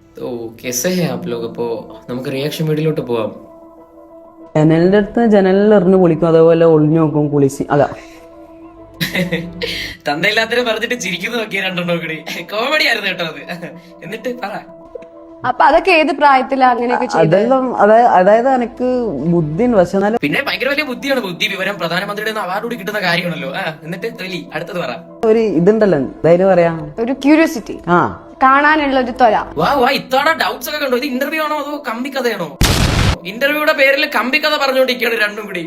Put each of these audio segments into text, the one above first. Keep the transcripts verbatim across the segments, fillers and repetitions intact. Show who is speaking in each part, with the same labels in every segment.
Speaker 1: तो कैसे हैं आप लोग? അപ്പോ നമുക്ക് റിയാക്ഷൻ വീഡിയോയിലോട്ട് പോവാം.
Speaker 2: ജനലിന്റെ അടുത്ത് ജനലിൽ എറിഞ്ഞു പൊളിക്കും, അതേപോലെ ഒളിഞ്ഞു നോക്കും കുളിച്ച്. അതാ
Speaker 1: തന്തയില്ലാത്തവരെ പറഞ്ഞിട്ട് ചിരിക്കുന്നു നോക്കിയ രണ്ടെണ്ണം കൂടി കോമഡി ആയിരുന്നു കേട്ടോ അത്. എന്നിട്ട് പറ.
Speaker 3: അപ്പൊ അതൊക്കെ ഏത് പ്രായത്തിലാ അങ്ങനെയൊക്കെ ചെയ്തത്?
Speaker 2: അതെല്ലാം അതായത് അതായത് എനിക്ക് ബുദ്ധി ഉണ്ട്, പക്ഷെ എന്നാലും
Speaker 1: പിന്നെ ഭയങ്കര വലിയ ബുദ്ധിയാണ്. ബുദ്ധി വിവരം പ്രധാനമന്ത്രിയുടെ അവാർഡ് കൂടി കിട്ടുന്ന കാര്യമാണല്ലോ. ആ എന്നിട്ട് തൊലി അടുത്തത് പറ.
Speaker 2: ഒരു ഇതുണ്ടല്ലോ, എന്തായാലും പറയാ,
Speaker 3: ഒരു ക്യൂരിയോസിറ്റി,
Speaker 2: ആ
Speaker 3: കാണാനുള്ള ഒരു ത്വര.
Speaker 1: വാ വാ ഇത്തവണ ഡൗട്ട്സ് ഒക്കെ കണ്ടോ? ഇത് ഇന്റർവ്യൂ ആണോ അതോ കമ്പിക്കഥയാണോ? ഇന്റർവ്യൂയുടെ പേരിൽ കമ്പിക്കഥ പറഞ്ഞുകൊണ്ടിരിക്കുകയാണ് രണ്ടും കൂടി.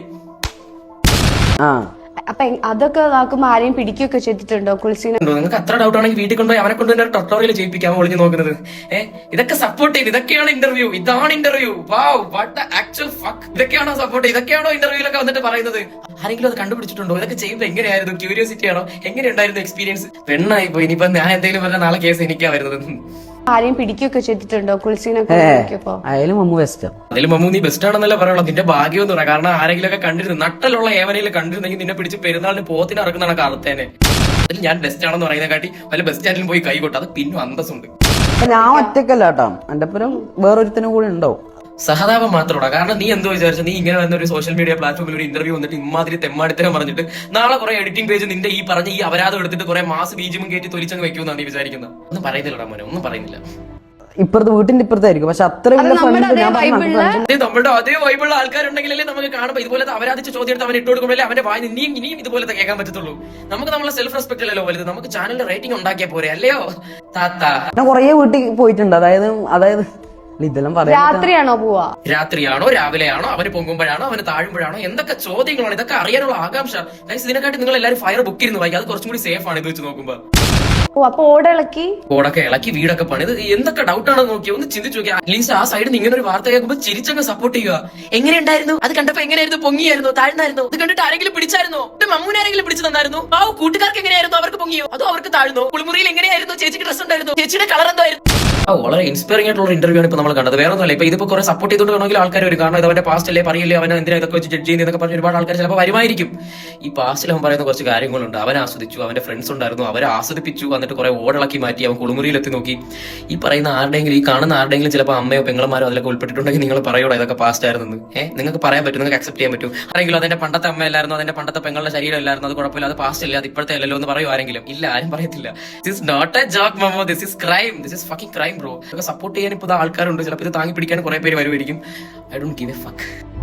Speaker 2: ആ
Speaker 3: അപ്പൊ എ- അതൊക്കെ നോക്കുമ്പോ ആരെയും പിടിക്കുകയൊക്കെ ചെയ്തിട്ടുണ്ടോ കുളിസിനെ?
Speaker 1: ഉണ്ടോ? നിങ്ങൾക്ക് അത്ര ഡൗട്ട് ആണെങ്കിൽ വീട്ടിൽ കൊണ്ടുപോയി അവനെ കൊണ്ട് തന്നെ ടൊട്ടോറിയൽ ചെയ്യിപ്പിക്കാൻ ഒളിഞ്ഞു നോക്കുന്നത്. ഏഹ് ഇതൊക്കെ സപ്പോർട്ട് ചെയ്ത് ഇതൊക്കെയാണ് ഇന്റർവ്യൂ, ഇതാണ് interview. Wow what the actual fuck. ഇതൊക്കെയാണോ സപ്പോർട്ട്, ഇതൊക്കെയാണോ ഇന്റർവ്യൂലൊക്കെ വന്നിട്ട് പറയുന്നത്? ആരെങ്കിലും അത് കണ്ടുപിടിച്ചിട്ടുണ്ടോ? ഇതൊക്കെ ചെയ്യുമ്പോൾ എങ്ങനെയായിരുന്നു? ക്യൂരിയോസിറ്റി ആണോ? എങ്ങനെയുണ്ടായിരുന്നു എക്സ്പീരിയൻസ്? പെണ്ണായി പോയി. ഇനിയിപ്പോ ഞാൻ എന്തെങ്കിലും പറഞ്ഞ നാളെ കേസ് എനിക്കാ വരുന്നത്.
Speaker 3: ആരെയും പിടിക്കുകയൊക്കെ ചെയ്തിട്ടുണ്ടോ കുളിസിനൊക്കെ
Speaker 2: ഏ
Speaker 3: നോക്കിയപ്പോ?
Speaker 2: അയാലും മമ്മു വെസ്റ്റാ.
Speaker 1: അതിൽ മമ്മൂ നീ ബെസ്റ്റ് ആണെന്നല്ല പറയുള്ളൂ. നിന്റെ ഭാഗ്യം എന്ന് പറയാം. കാരണം ആരെങ്കിലും ഒക്കെ കണ്ടിരുന്നു, നട്ടലുള്ള ഏവനെങ്കിലും കണ്ടിരുന്നെങ്കിൽ നിന്നെ പിടിച്ച് പെരുന്നാളിന് പോത്തിന് ഇറക്കുന്നതാണ് കാലത്തേനെ. അതിൽ ഞാൻ ബെസ്റ്റ് ആണെന്ന് പറയുന്ന കാട്ടി വല്ല ബസ് സ്റ്റാൻഡിലും പോയി കൈ കൊട്ടു. അത് പിന്നും അന്തസ്സുണ്ട്.
Speaker 2: ഞാൻ ഒറ്റക്കല്ല കേട്ടോ, എന്റെ പുരം വേറൊരുത്തനും കൂടി ഉണ്ടാവും.
Speaker 1: സഹതാപം മാത്രമാണ്. കാരണം നീ എന്തോ വിചാരിച്ചു, നീ ഇങ്ങനെ വന്ന ഒരു സോഷ്യൽ മീഡിയ പ്ലാറ്റ്ഫോമിൽ ഒരു ഇന്റർവ്യൂ വന്നിട്ട് ഇമാതിരി തെമ്മാടിത്തരം പറഞ്ഞിട്ട് നാളെ കുറെ എഡിറ്റിംഗ് പേജ് നിന്റെ ഈ പറഞ്ഞ ഈ അപരാധം എടുത്തിട്ട് കുറെ മാസ് ബീജും കയറ്റി തൊലിച്ചങ്ങ് വെക്കുമെന്നാണ് നീ വിചാരിക്കുന്നത്. ഒന്നും പറയുന്നില്ലടാ മോനെ, ഒന്നും പറയുന്നില്ല.
Speaker 2: ഇപ്പുറത്ത് വീട്ടിന്റെ ഇപ്പുറത്തായിരിക്കും, പക്ഷെ അത്ര
Speaker 3: അത്
Speaker 2: വലിയ
Speaker 3: നമ്മുടെ
Speaker 2: friends
Speaker 3: അതേ
Speaker 2: ഞാൻ പറഞ്ഞു, നമുക്ക്
Speaker 3: വൈബിള്ള
Speaker 2: friends
Speaker 1: അതേ നമ്മുടെ അതേ വൈബിളുള്ള ആൾക്കാരുണ്ടെങ്കിലല്ലേ നമുക്ക് കാണുമ്പോൾ ഇതുപോലത്തെ അപരാധിച്ച ചോദ്യം എടുത്ത് അവൻ ഇട്ട് കൊടുക്കുമ്പോഴല്ലേ അവന്റെ വായി ഇനിയും ഇനിയും ഇതുപോലത്തെ കേൾക്കാൻ പറ്റത്തുള്ളൂ. നമുക്ക് നമ്മളെ സെൽഫ് റെസ്പെക്ട് അല്ലല്ലോ വലുത്. നമുക്ക് ചാനലിന്റെ റേറ്റിംഗ് ഉണ്ടാക്കിയാൽ പോരെ, അല്ലയോ താത്ത?
Speaker 2: ഞാൻ കൊറേ വീട്ടിൽ പോയിട്ടുണ്ട്. അതായത് അതായത് ഇതെല്ലാം പറയാം.
Speaker 3: രാത്രിയാണോ പോവാ?
Speaker 1: രാത്രിയാണോ രാവിലെയാണോ, അവന് പൊങ്ങുമ്പോഴാണോ അവന് താഴുമ്പോഴാണോ, എന്തൊക്കെ ചോദ്യങ്ങളാണ് ഇതൊക്കെ അറിയാനുള്ള ആകാംക്ഷ. ഗൈസ് ഇതിനെക്കാട്ടി നിങ്ങൾ എല്ലാവരും ഫയർ ബുക്ക് ഇരുന്ന് വായിക്കും. അത് കുറച്ചും കൂടി സേഫ് ആണ് ഇത് വെച്ച് നോക്കുമ്പോൾ.
Speaker 3: ഓ അപ്പൊ ഓടിളക്കി
Speaker 1: ഓടൊക്കെ ഇളക്കി വീടൊക്കെ പണിത് എന്തൊക്കെ ഡൗട്ടാണെന്ന് നോക്കിയോ ഒന്ന് ചിന്തിച്ചു നോക്കിയാൽ. അറ്റ്ലീസ്റ്റ് ആ സൈഡിൽ നിന്ന് ഇങ്ങനെ ഒരു വാർത്ത കേൾക്കുമ്പോൾ ചിരിച്ചങ്ങ് സപ്പോർട്ട് ചെയ്യുക. എങ്ങനെയുണ്ടായിരുന്നു അത് കണ്ടപ്പോ? എങ്ങനെയായിരുന്നു? പൊങ്ങിയായിരുന്നു? താഴ്ന്നായിരുന്നു? ഇത് കണ്ടിട്ട് ആരെങ്കിലും പിടിച്ചായിരുന്നോ? മമ്മൂനെ ആരെങ്കിലും പിടിച്ചു തന്നായിരുന്നു? ആ കൂട്ടുകാർക്ക് എങ്ങനെയായിരുന്നു? അവർക്ക് പൊങ്ങിയോ അതോ അവർക്ക് താഴ്ന്നോ? കുളിമുറിയിൽ എങ്ങനെയായിരുന്നു? ചേച്ചിക്ക് ഡ്രസ് ഉണ്ടായിരുന്നു? ചേച്ചിയുടെ കളർ എന്തായിരുന്നു? ആ വളരെ ഇൻസ്പയറിംഗ് ആയിട്ടുള്ള ഇന്റർവ്യൂ ആണ് ഇപ്പൊ നമ്മൾ കണ്ടത്. വേറെ ഒന്നുമല്ല, ഇപ്പൊ ഇതിപ്പോ കുറെ സപ്പോർട്ട് ചെയ്തുകൊണ്ട് വേണമെങ്കിൽ ആൾക്കാർ വരും. കാരണം ഇത് അവന്റെ പാസ്റ്റ് അല്ലേ, പറയില്ലേ അവനെ എന്തിനാ ഇതൊക്കെ വെച്ച് ജഡ്ജ് ചെയ്യുന്നതൊക്കെ പറഞ്ഞ് ഒരുപാട് ആൾക്കാർ ചിലപ്പോൾ വരുമായിരിക്കും. ഈ പാസ്റ്റിൽ അവൻ പറയുന്ന കുറച്ച് കാര്യങ്ങളുണ്ട്. അവൻ ആസ്വദിച്ചു, അവന്റെ ഫ്രണ്ട്സ് ഉണ്ടായിരുന്നു, അവരെ ആസ്വദിപ്പിച്ചു, എന്നിട്ട് കുറെ ഓടിളക്കി മാറ്റി, അവൻ കുളിമുറിയിൽ എത്തി നോക്കി. ഈ പറയുന്ന ആരുടെയെങ്കിലും, ഈ കാണുന്ന ആരുടെയെങ്കിലും ചിലപ്പോൾ അമ്മയോ പെങ്ങളമാരോ അതിലൊക്കെ ഉൾപ്പെട്ടിട്ടുണ്ടെങ്കിൽ നിങ്ങൾ പറയൂടാ ഇതൊക്കെ പാസ്റ്റ് ആയിരുന്നു. ഏഹ് നിങ്ങൾക്ക് പറയാൻ പറ്റും, നിങ്ങൾക്ക് അക്സെപ്റ്റ് ചെയ്യാൻ പറ്റും. ആരെങ്കിലും അതിന്റെ പണ്ടത്തെ അമ്മ അല്ലായിരുന്നു, അതിന്റെ പണ്ടത്തെ പെങ്ങളുടെ ശരീരം അല്ലായിരുന്നു, അത് കുഴപ്പമില്ല, അത് പാസ്റ്റ് അല്ല, അത് ഇപ്പോഴത്തെ അല്ലല്ലോ എന്ന് പറയും ആരെങ്കിലും? ഇല്ല, ആരും പറയത്തില്ല. This is not a joke മമ്മോ, this is crime, this is fucking crime bro. Support ചെയ്യാൻ ഇപ്പോൾ ആൾക്കാരുണ്ട്, ചിലപ്പോൾ ഇത് താങ്ങി പിടിക്കാൻ കുറെ പേര് വരുമായിരിക്കും. I don't give a fuck.